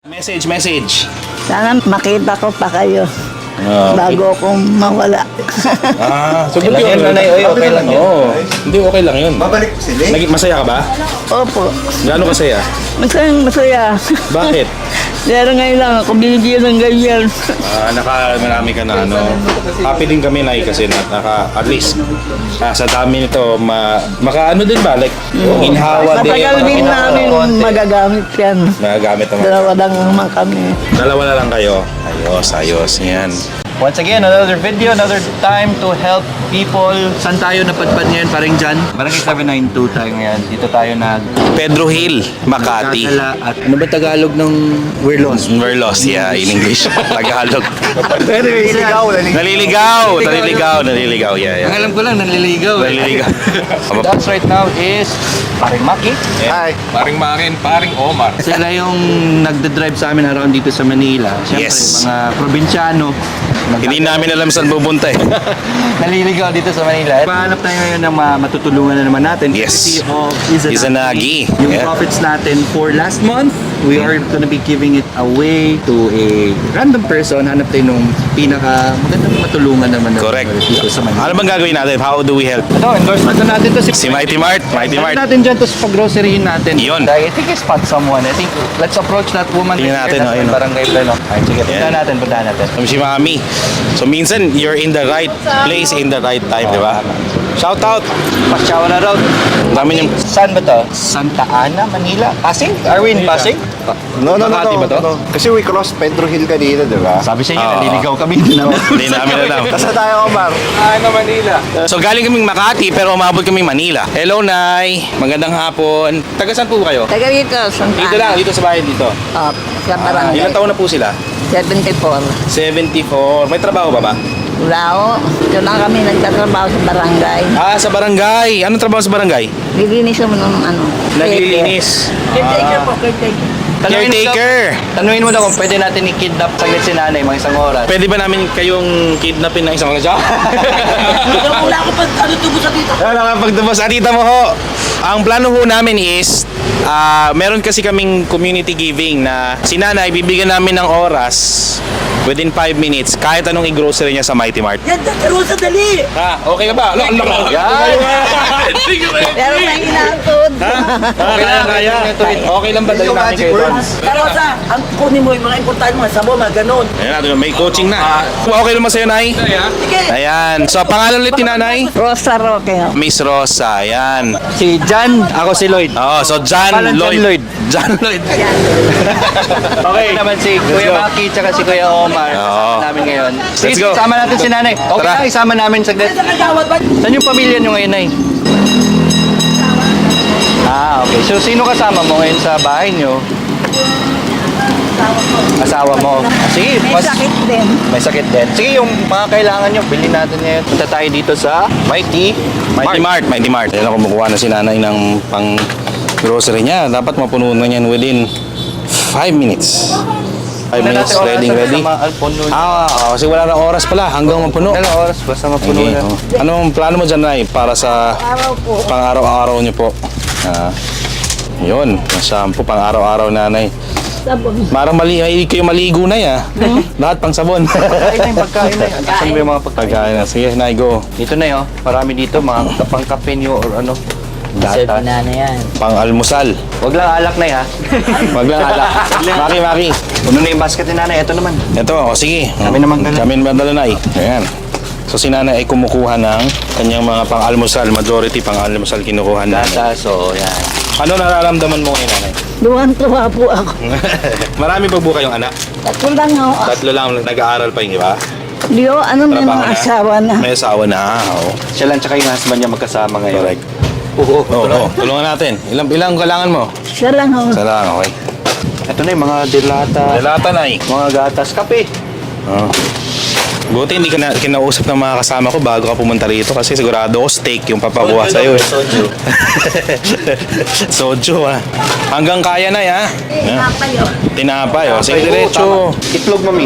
Message. Sana makita ko pa kayo bago akong mawala. So good yun. Okay lang yun. Oo. Hindi, okay lang yun. Babalik po sila. Masaya ka ba? Opo, Gaano kasaya? masaya. Bakit? Pero ngayon lang ako binigyan ng ganyan. Marami ka na ano. Happy din kami na kasi at least sa dami nito makaano din ba? Like, inhawa din. Matagal din namin magagamit yan. Magagamit naman. Dalawa lang naman kami. Dalawa na lang kayo. Ayos. Yan. Once again, another video, another time to help people. Saan tayo napadpad ngayon, paring Jan? Barangay 792 tayo ngayon. Dito tayo Pedro Hill, Makati. At ano ba Tagalog ng We're Lost? We're lost, yeah, in English. Tagalog. Naliligaw. Naliligaw, yeah. Ang alam ko lang, naliligaw. That's right now is paring Maki. Hi. Paring Makin, paring Omar. Sila yung nagda-drive sa amin around dito sa Manila. Siyempre, Yes. mga probinsyano. Hindi namin alam saan pupunta eh. Naliligaw dito sa Manila. Pahanap tayo ngayon ng matutulungan na naman natin. Yes. Courtesy of Izanagi. Yung Yeah. profits natin for last month, we are gonna be giving it away to a random person. Hanap tayo nung pinaka magandang matulungan naman Correct. dito sa Manila. Ano bang gagawin natin? How do we help? Ito, endorsement na natin to Si Mighty Mart. Ano natin dyan to sa pag-groceryhin natin. Yun. I think I spot someone. I think let's approach that woman. Tingnan natin, That's ayun, my barangay plano. Ay, sige, puntahan Yan. natin. Si Mami. So minsan, you're in the right place in the right time, di ba? Shout out! Pasyawa na road. Dami niyang... Saan ba to? Santa Ana, Manila? Pasig? Are we in Pasig? No. Makati ba to? Kasi we crossed Pedro Hill kanina, di ba? Sabi sa inyo, Oo. naliligaw kami. Hindi naman. Hindi namin alam. Kasi tayo, Omar. Manila. So galing kaming Makati pero umabot kaming Manila. Hello, Nay! Magandang hapon. Taga saan po kayo? Taga dito, Santa Dito lang, dito sa bahay dito. Sa barangay. Ilang taon na po sila? 74. 74. May trabaho ba ba? Wala ako. Ito lang kami nagtatrabaho sa barangay. Sa barangay. Anong trabaho sa barangay? Lilinis mo ng ano. Naglilinis. Caretaker po, caretaker. Caretaker. Tanungin mo daw kung pwede natin i-kidnap saglit si nanay mga isang oras. Pwede ba namin kayong kidnapin ng isang oras? Wala ako pag ano tubo sa dito. Pagtapos, atita mo ho. Ang plano ho namin is, meron kasi kaming community giving na si nanay, bibigyan namin ng oras within 5 minutes kahit anong i-grocery niya sa Mighty Mart. Yan, tataro sa dali. Okay ka ba? Yan! Pero may inaantod. Kaya. Okay lang ba dahil namin kayo doon? Karosa, ang kunin mo yung mga importante mga sabon, mga ganun. Ayan natin, may coaching na. Okay naman sa'yo, Nay? Ayan. So, pangalan ulit ni Nanay? Rosa Roque. Miss Rosa. Ayan. Si Jan, ako si Lloyd. So John Pangalan John Lloyd. Lloyd. John Lloyd. Okay. Naman si Kuya Maki tsaka si Kuya Omar. Oo. Kasama namin ngayon. Let's go. Isama natin si nanay. Okay Tara. lang, isama namin saglit. Saan yung pamilya nyo ngayon, Nay? Okay. So, sino kasama mo ngayon sa bahay nyo? Asawa mo. Sige, May sakit din. May sakit din. Sige, yung mga kailangan nyo, bilhin natin ngayon. Punta tayo dito sa Mighty Mart. Mighty Mart. Ayan, kumukuha na si Nanay ng pang grocery niya. Dapat mapuno na yan within 5 minutes. 5 minutes, ready. Kasi wala na oras pala hanggang mapuno. Wala na oras, basta mapuno Okay. na. Anong plano mo dyan, Nay? Para sa Araw po. pang-araw-araw niyo po. Yun, shampoo pang-araw-araw, Nanay. Sabon. Marang mahilig kayo maligo na ya. Lahat pang sabon. Pagkain na yung pagkain na yan. Saan ba yung mga pagkain? Pagkain na. Sige, Nay, go. Dito na yun. Marami dito, mga pang-kape nyo or ano. Data. Pang-almusal. Huwag lang alak na ha. Wag lang alak. Maki. Puno na yung basket ni nanay. Ito naman. Ito, sige. Kami naman dala. Kami naman dala, Nay. Ayan. So si Nanay ay kumukuha ng kanyang mga pang-almusal. Majority pang-almusal kinukuha na. Data, so yan. Ano nararamdaman mo ngayon, Nanay? Duwan-tuwa po ako. Marami pa po kayong anak? Tatlo lang ako. Tatlo lang nag-aaral pa yung iba? Dio, ano may Trabaho mga na? asawa na. May asawa na. Oo. Siya lang tsaka yung husband niya magkasama ngayon. Correct. Oo. Tulungan natin. Ilang kailangan mo? Siya lang ako. Isa lang, okay. Ito na yung mga dilata, Dalata, Nay. mga gatas, kape. Oo. Buti hindi ka na kinausap ng mga kasama ko bago ka pumunta rito kasi sigurado ko steak yung papakuha sa'yo. Soju. Soju, ha. Hanggang kaya na, ha? Tinapay, oh. Sige, diretso. Itlog, mami.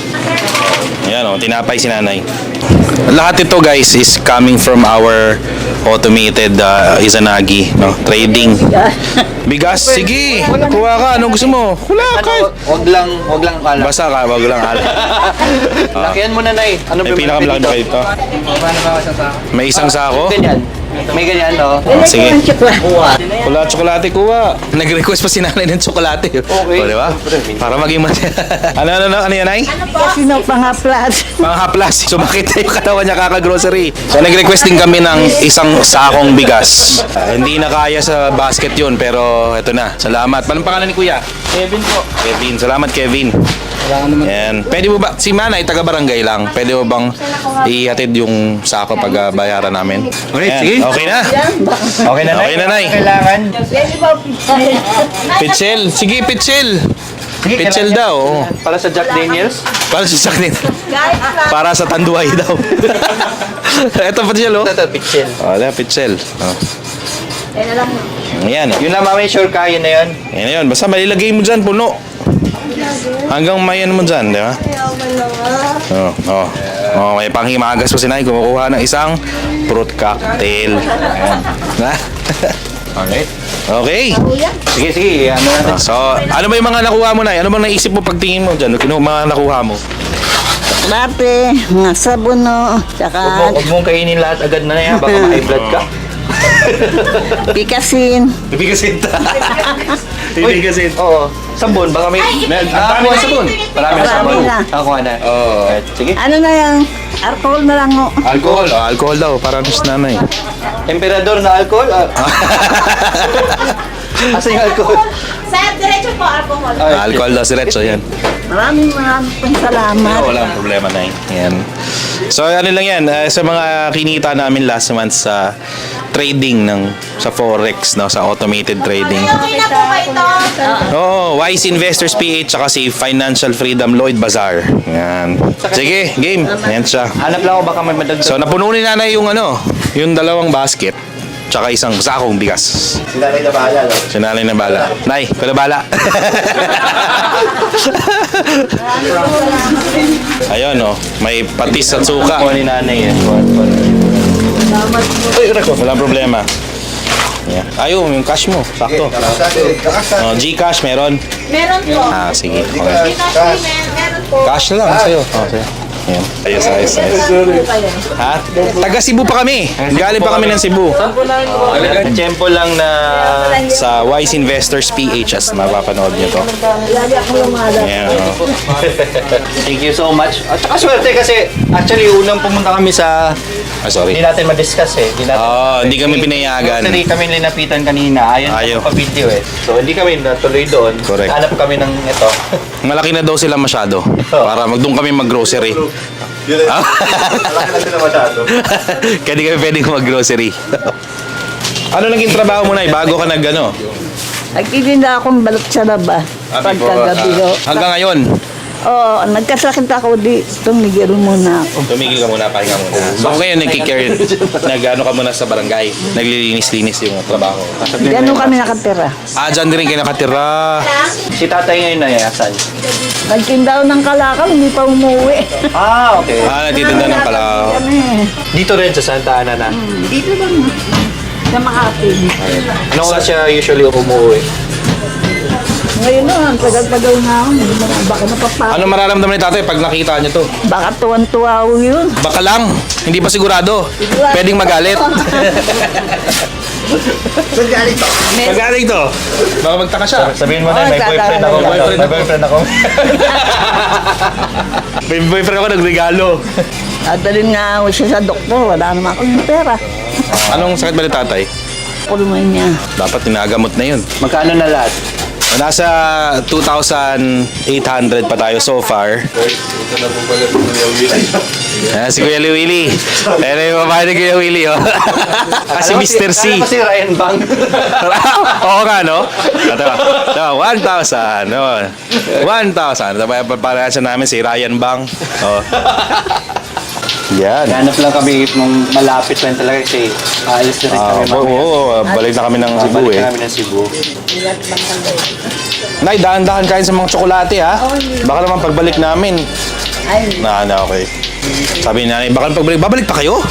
Ayan, oh. Tinapay si Nanay. Lahat ito, guys, is coming from our automated Izanagi, no? Trading. Bigas, sige. Kuha ka. Anong gusto mo? Wala ka. Wag lang kala. Basta ka, wag lang ala. Lakihan mo na, Nay. Ano May pinakamalaki ba ito? May isang sako? Ganyan. May ganyan, no? Sige. Wala tsokolate, kuha. Nag-request pa si nanay ng tsokolate. Okay. O, diba? Para maging ano yan, ay? Sino pangaplat? Mga haplas. So makita yung katawan niya kaka-grocery. So nag-request din kami ng isang sakong bigas. Hindi na kaya sa basket yun, pero eto na. Salamat. Anong pangalan ni Kuya? Kevin po. Kevin. Salamat, Kevin. Wala ka naman. Yan. Pwede mo ba, si Manay, taga-barangay lang. Pwede mo bang ihatid yung sako pag bayaran namin? Alright, Yan. sige. Okay na. Okay na, Nay. Okay na, Nay. Kailangan. Pitchel. Sige, pitchel. Pitchel daw. Oo. Para sa Jack Daniels. Para sa sakit. Para sa tanduay daw. Ito pitchel, oh. Ito, pitchel. Oh, yan, pitchel. Oh. Ayan, oh. Yun lang, mamay, sure kaya na yun. Ayan na yun. Basta malilagay mo dyan, puno. Hanggang may ano mo dyan, di ba? Oh, oh. Oh, may panghimagas pa si Nay. Kumukuha ng isang fruit cocktail. Ayan. Na? Alright. Okay. Sige. Ano natin? So, ano ba yung mga nakuha mo, Nay? Ano bang naisip mo pagtingin mo dyan? Ano mga nakuha mo? Dati, mga sabuno, tsaka Huwag mong kainin lahat agad na yan. Baka ma-high blood ka. pikasin. Ibigasin ta. Uy, oo. Sabon, baka may... Ang dami na sabon. Marami na sabon. Marami na. Nakakuha na. Oo. Alright, sige. Ano na yan? Alcohol na lang, oh. Alcohol. Oh, alcohol daw. Para sa nanay. Emperador na alcohol? Asa yung alcohol? Sir, diretso po, alcohol. Alcohol daw si Retso. Yan. Maraming pong salamat. Walang problema na yan. So ano lang yan, sa mga kinita namin last month sa trading sa Forex, no, sa automated trading. Okay na po ba ito? Oo, Wise Investors PH tsaka si Financial Freedom Lloyd Bazaar. Yan. Sige, game. Yan siya. Hanap lang ako baka may madagdag. So napuno ni nanay yung yung dalawang basket tsaka isang sakong bigas. Sinanay na bahala, no? Sinanay na bala. Nay, pala bala. Ayun, oh. May patis at suka. Kuha ni nanay yan. Uy, reko. Walang problema. Yeah. Ayun, yung cash mo. Sakto. Oh, Gcash meron. Meron po. Ah, sige. Okay. Gcash payment, meron po. Cash lang sa'yo. Oh, sa'yo. Yan. Ayos. Ha? Taga Cebu pa kami. Galing pa kami ng Cebu. Tempo lang na sa Wise Investors PH as mapapanood niyo to. Ayan, oh. Thank you so much. At saka swerte kasi actually unang pumunta kami sa... Ah, sorry. Hindi natin ma-discuss eh. Hindi kami pinayagan. Actually kami linapitan kanina. Ayaw pa video eh. So hindi kami natuloy doon. Correct. Hanap kami ng ito. Malaki na daw sila masyado. Para doon kami mag-grocery. Ah? Malaki na sila masyado. Kaya di kami pwedeng mag-grocery. Ano naging trabaho mo na bago ka Nagtitinda akong balot sa laba. Pagkagabi ko. hanggang ngayon? Oo, nagkasakit ako di. Tumigil muna ako. Tumigil ka muna, pahinga muna. So ngayon nagki-care, ka muna sa barangay, naglilinis-linis yung trabaho. Gano'n kami nakatira. Ah, dyan din rin kayo nakatira. Si tatay ngayon na asan? Nagtinda ako ng kalakal, hindi pa umuwi. Ah, okay. Ah, nagtitinda ng kalao. Kami. Dito rin sa Santa Ana na. Dito lang. Sa Makati. Ano oras siya usually umuwi? Ngayon na, tagal-tagal na ako. Baka napapakot. Ano mararamdaman ni tatay pag nakita niyo to? Baka tuwan-tuwa ako yun. Baka lang, hindi pa sigurado. Pwedeng magalit. Magaling to. Baka magtaka siya. Sabihin mo na, Oh, may boyfriend ako. boyfriend May boyfriend ako. May boyfriend ako nagregalo. Dadalhin nga ako siya sa doktor. Wala naman akong pera. Anong sakit ba ni tatay? Pulmonya. Dapat tinagamot na yun. Magkano na lahat? Nasa 2,800 pa tayo so far. Si Kuya Willie. Pero yung babae ni Kuya Willie, oh. Kasi Mr. C. Alam ko si Ryan Bang. Oo nga, no? Ito, 1,000. No? 1,000. Para siya namin si Ryan Bang. Oh. Yan. Hanap lang kami nung malapit lang talaga kasi aalis na rin kami mamaya. Balik na kami ng Cebu Balik eh. na kami ng Cebu. Nay, dahan-dahan kain sa mga tsokolate ha. Baka naman pagbalik namin. Ay, Okay. Sabi ni nanay, baka pagbalik, babalik pa kayo?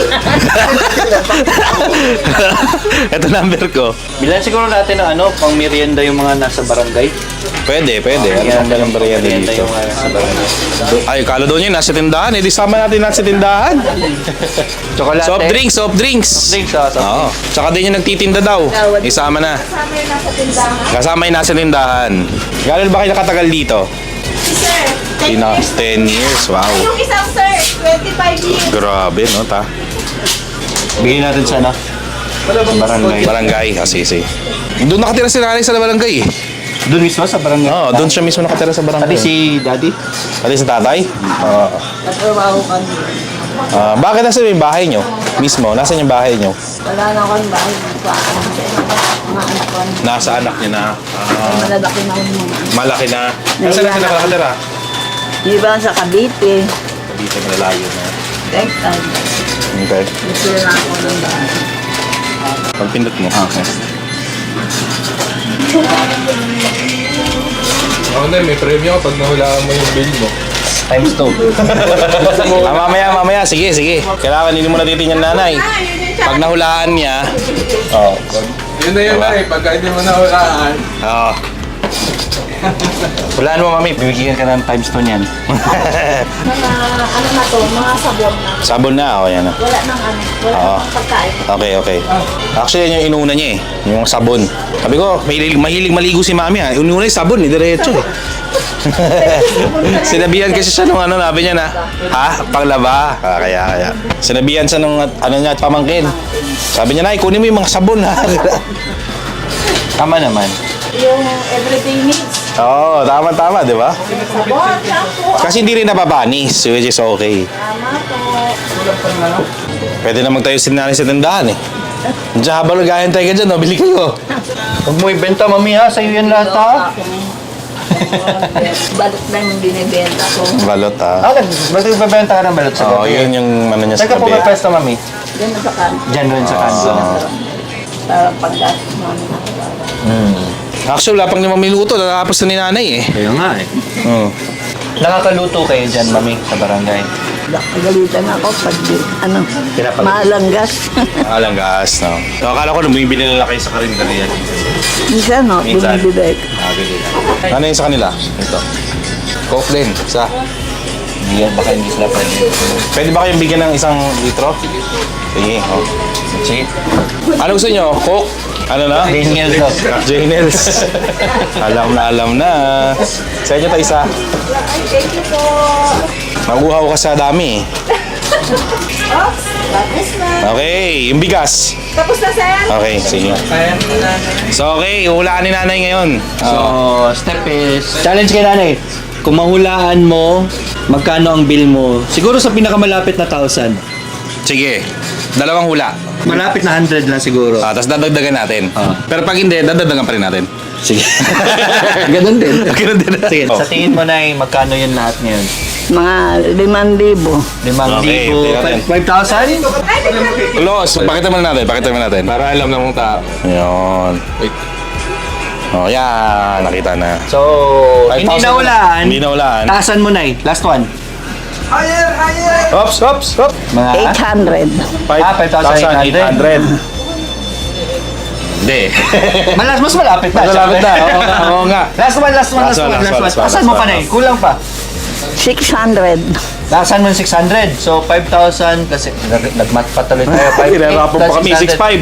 Ito number ko. Bilan siguro natin ng pang merienda yung mga nasa barangay. Pwede. Ano bang number yan dito? Yung mga nasa barangay. Ay, kala doon yun, nasa tindahan. Eh, di sama natin nasa tindahan. Chocolate. Soft drinks. Drinks, soft Oo. Tsaka din yung nagtitinda daw. Isama na. Kasama yun nasa tindahan. Kasama yung nasa tindahan. Gano'n ba kayo nakatagal dito? Si sir, 10 years. 10 years. Wow. Yung isang sir, 25 years. Grabe, no, ta? Bigyan natin sana. Barangay. Barangay. Sige. Doon nakatira si nanay sa barangay eh. Doon mismo sa barangay. Oo, doon siya mismo nakatira sa barangay. Pati si daddy. Pati si tatay? Oo. Natrabaho kami. Bakit nasa yung bahay nyo? Mismo, nasa yung bahay nyo? Wala na akong bahay. Mga anak ko. Nasa anak niya na. Malalaki na akong mga anak. Malaki na. Nasaan na sila nakatira? Di ba sa Cavite? Dito malalayo na. Next time. Okay. Gusto na ako ng bahay. Pagpindot mo. Okay. Ako na, may premyo pag nahulaan mo yung bill mo. Times 2. Mamaya. Sige. Kailangan hindi mo natitin yung nanay. Ah, yun yung Pag nahulaan niya, Yun na yun Diba? na eh, pagka hindi mo nahulaan. Hulaan mo, mami. Bibigyan ka ng times 2 niyan. mga ano na to, mga sabon na. sabon na. O, yan na. Wala nang wala Oo. nang pagkain. Okay. Actually, yan yung inuna niya eh. Yung sabon. Sabi ko, mahilig maligo si mami ha. Inuna yung sabon eh, diretso eh. Sinabihan kasi siya nung sabi niya na, panglaba. Kaya. Sinabihan siya nung niya, pamangkin. Sabi niya, nay, kunin mo yung mga sabon ha. Tama naman. Yung everyday needs. Oo, tama, di ba? Sabon, shampoo. Kasi hindi rin nababanis, which is okay. Tama po. Pwede na magtayo si nanay sa tindahan eh. Diyan habang nag-aantay ka dyan, bili kayo. Huwag mo ibenta, mami ha. Sa'yo yan lahat ha. Balot na yung binibenta ko. Balot ha. Ba't ibebenta ka ng balot sa Oo, yun yung ano niya Saan sa ka po gabi. may pwesto, mami? Diyan na sa kanto. Diyan rin sa kanto. Para paggastos namin ako. Actually, wala pang 5 minuto, natapos na ni nanay eh. Kaya nga eh. Nakakaluto kayo dyan, mami, sa barangay. Nagalitan ako pag Pinapag- maalanggas. Alang gas, no? So, akala ko bumibili nila kayo sa karinderya. Minsan, no, Minsan. bumibili. Ano yun sa kanila? Ito. Coke din, isa. Baka hindi sila pwede. Pwede ba kayong bigyan ng 1 litro? Sige, oh. Sige. Ano gusto nyo? Coke? Ano na? Daniel daw. Janels. alam na. Sa inyo tayo isa. Ay, thank you po. Maguhaw ka sa dami eh. Oops, tapos na. Okay, yung bigas. Tapos na, sir. Okay, sige. So okay, hulaan ni nanay ngayon. So, step is... Challenge kay nanay. Kung mahulaan mo, magkano ang bill mo? Siguro sa pinakamalapit na 1,000. Sige, 2 hula. Malapit na 100 lang siguro. Tapos dadagdagan natin. Ah. Pero pag hindi, dadagdagan pa rin natin. Sige. Ganun din. Ganun din. Sige, Oh. sa tingin mo na magkano yun lahat ngayon? Mga 5,000. 5,000. 5,000? Close. Pakita mo na natin. Para alam na mong tao. Yun. Wait. Oh, yan. Nakita na. So, hindi 5,000 na hulaan. Hindi na hulaan. Taasan mo na Last one. Oops. Mga 800. 5,800. Hindi. Mas malapit na. Malapit na. Oo nga. Last one. Last one. Taasan mo pa na Kulang pa. 600. Taasan mo ng 600. So, 5,000 plus... Nag-math pa tuloy tayo. 5,800 Pinahirapan pa kami.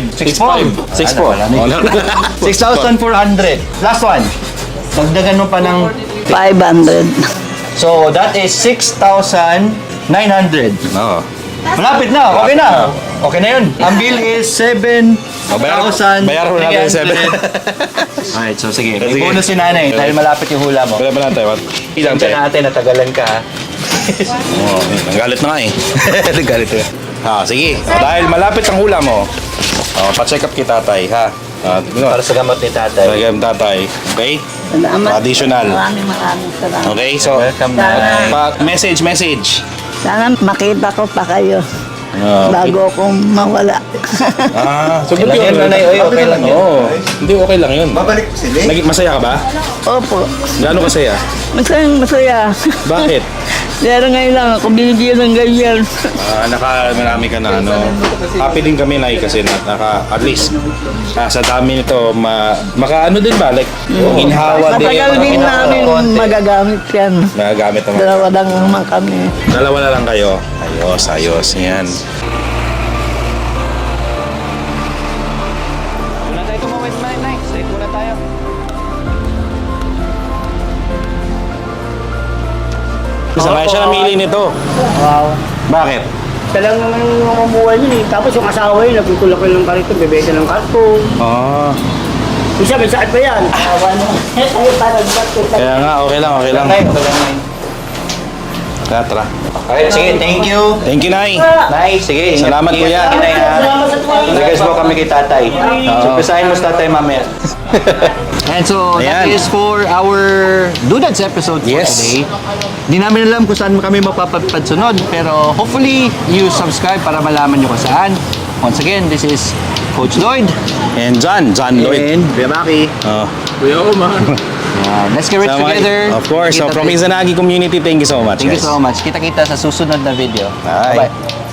6,500. 6,400. Last one. Dagdagan mo pa ng... 500. So, that is 6,900. Oo. Malapit na. Okay na. Okay na yun. Ang bill is 7,000. Bayaran mo natin yung 7. Alright, so sige. May Sige. bonus si nanay dahil malapit yung hula mo. Wala pa natin. Ilang Ito natin, natagalan ka. Oo, nanggalit na nga eh. Nanggalit na. Sige. Dahil malapit ang hula mo, pa-check up kita, tatay, ha? Para sa gamot ni tatay. Talagang tatay. Okay? Salamat. Additional. Maraming salamat. Okay, so, Welcome na. message. Sana makita ko pa kayo bago akong mawala. So Okay lang yun, nanay. Oy, okay lang yun. Oo. Hindi, okay lang yun. Babalik ko sila. Masaya ka ba? Opo. Gaano kasaya? Masaya. Bakit? Pero ngayon lang ako binigyan ng ganyan. Marami ka na ano. Happy din kami na kasi at least sa dami nito maka ano din ba like inhawa din. Matagal din namin magagamit yan. Nagagamit naman. Dalawa lang naman kami. Dalawa na lang kayo. Ayos. Yan. Muna tayo tumawid, Nay. Stay muna tayo. Sabay siya namili nito. Wow. Bakit? Siya lang naman yung mabuhay yun eh. Tapos yung asawa yun, nagtutulak yun ng karito, bebenta ng karton. Oh. Isa, may sakit pa yan. Awa na. Ay, parang bakit. Kaya nga, okay lang. Tara. Okay, sige, thank you. Thank you, Nay. Nay, sige. Salamat, kuya. Salamat sa tuwa. Nag-guess mo kami kay tatay. So, pisahin mo sa tatay mamaya. And so, that Ayan. is for our Dudads episode for Yes. today. Di namin alam kung saan kami mapapadsunod, pero hopefully, you subscribe para malaman nyo kung saan. Once again, this is Coach Lloyd. And John Lloyd. And Kuya Maki. Oh. Kuya Omar. Let's get rich Sama- together. Of course. So, Kita- from Izanagi community, thank you so much, Thank you guys. so much. Kita-kita sa susunod na video. Bye. Bye-bye.